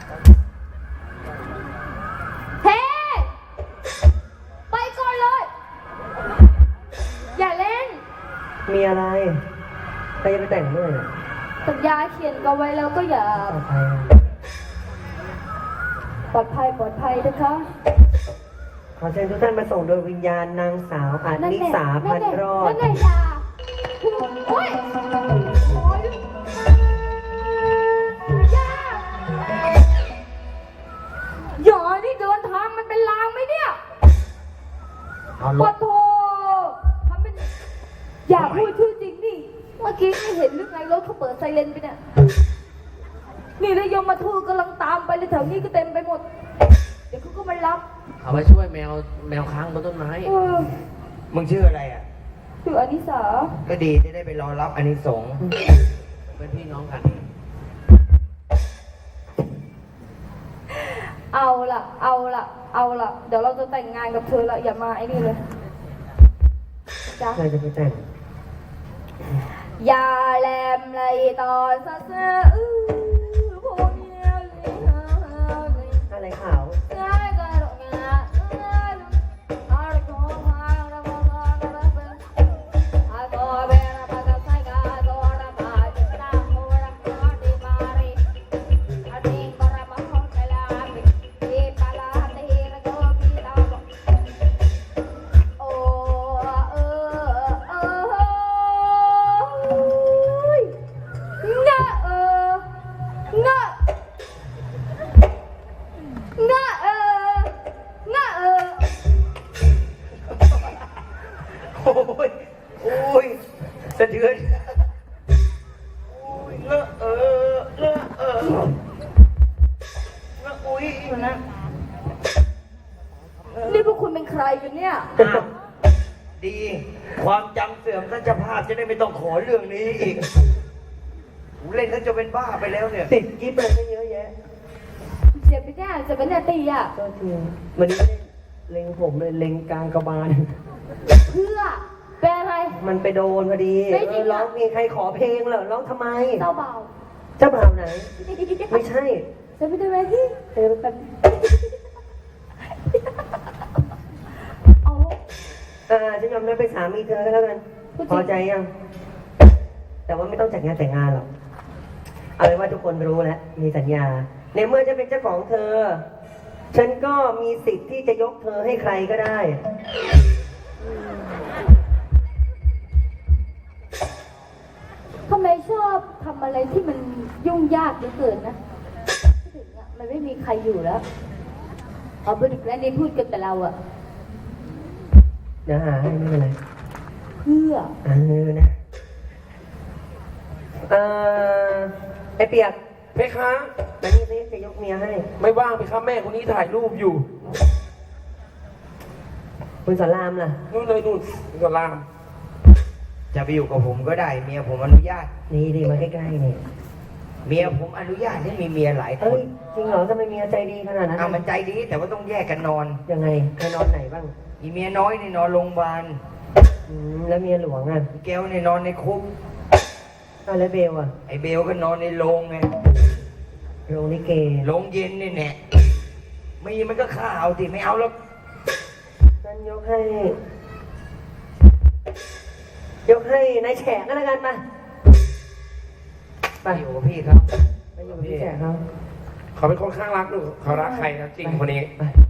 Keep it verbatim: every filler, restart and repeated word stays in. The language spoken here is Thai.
เฮ้ไปก่อนเลยอย่าเล่นมีอะไรใครจะไปแต่งด้วยน่ะสัญญาเขียนกันไว้แล้วก็อย่าปลอดภัยปลอดภัยนะคะขอเชิญทุกท่านมาส่งโดยวิญญาณนางสาวอานิสาพันรอดนั่นไงยาโอ้ยยาหยอนี่เดินทางมันเป็นลางไหมเนี่ยปะโถทำเป็นอย่าพูดชื่อจริงนี่เมื่อกี้ไม่เห็นหรือไงรถเขาเปิดไซเรนไปเนี่ยนี่แล้วยมมาทูตกำลังตามไปเลยแถวนี้ก็เต็มไปหมดเดี๋ยวเขาก็มารับเอาไปช่วยแมวแมวค้างบนต้นไม้มึงชื่ออะไรอ่ะชื่ออนิสาก็ดีจะได้ไปรอรับอานิสงส์เป็นพี่น้องกันเอาล่ะเอาล่ะเอาล่ะเดี๋ยวเราจะแต่งงานกับเธอละอย่ามาไอ้นี่เลยจ้าใครจะไปแต่งอย่าแลมเลยต่อซะเสืออื้อพวกเนี้ยอะไรขาวโอ้ยโอ้ยสะเทือนโอ้ยเลอะเออเลอะเออเลอะอุ้ยนะนี่พวกคุณเป็นใครกันเนี่ยดีความจำเสื่อมท่านเจ้าภาพจะได้ไม่ต้องขอเรื่องนี้อีกเล่นท่านจะเป็นบ้าไปแล้วเนี่ยติดกิ๊บอะไรก็เยอะแยะเสียไปแน่จะเป็นแน่ตีอ่ะก็จริงวันนี้เล็งผมเลยเล็งกลางกระบาลเพื่อเป็นอะไรมันไปโดนพอดีร้องมีใครขอเพลงเหรอร้องทำไมเจ้าเบาเจ้าบ่าวไหนไม่ใช่จะไปทำไมที่เธอเป็นเอาอ่าฉันยอมรับเป็นสามีเธอก็แล้วกันพอใจยังแต่ว่าไม่ต้องจัดงานแต่งงานหรอกเอาเป็นว่าทุกคนรู้แล้วมีสัญญาในเมื่อจะเป็นเจ้าของเธอฉันก็มีสิทธิ์ที่จะยกเธอให้ใครก็ได้ทำไมชอบทำอะไรที่มันยุ่งยากเหลือเกินนะถึงอ่ะมันไม่มีใครอยู่แล้วเอาไปดึกแล้วนี่พูดกันแต่เราอะเดี๋ยวหาให้ไม่เป็นไรเพื่อเออนะเออไอเปียกเพคะแต่นี่สิจะยกเมียให้ไม่ว่างเพคะแม่คนนี้ถ่ายรูปอยู่คุณสอนรามล่ะนู่นเลยนู่นสอนรามจะไปอยู่กับผมก็ได้เมียผมอนุญาตนี่ดีมาใกล้ๆนี่เมียผมอนุญาตให้มีเมียหลายคนจริงเหรอทำไมเมียใจดีขนาดนั้นอ่ะมันใจดีแต่ว่าต้องแยกกันนอนยังไงใครนอนไหนบ้างอีเมียน้อยนี่นอนโรงพยาบาลแล้วเมียหลวงอ่ะแก้วนี่นอนในคุกอ้าวแล้วเบลอ่ะไอเบลก็นอนในโรงไงโรงลิเกโรงเย็นนี่แน่มีมันก็ข้าวติไม่เอาแล้วฉันยกให้ยกให้นายแฉกก็แล้วกันมาไปอยู่กับพี่ครับไปอยู่กับพี่แฉกเขาเขาเป็นคนข้างรักหรือเขารักใครนะจริงคนนี้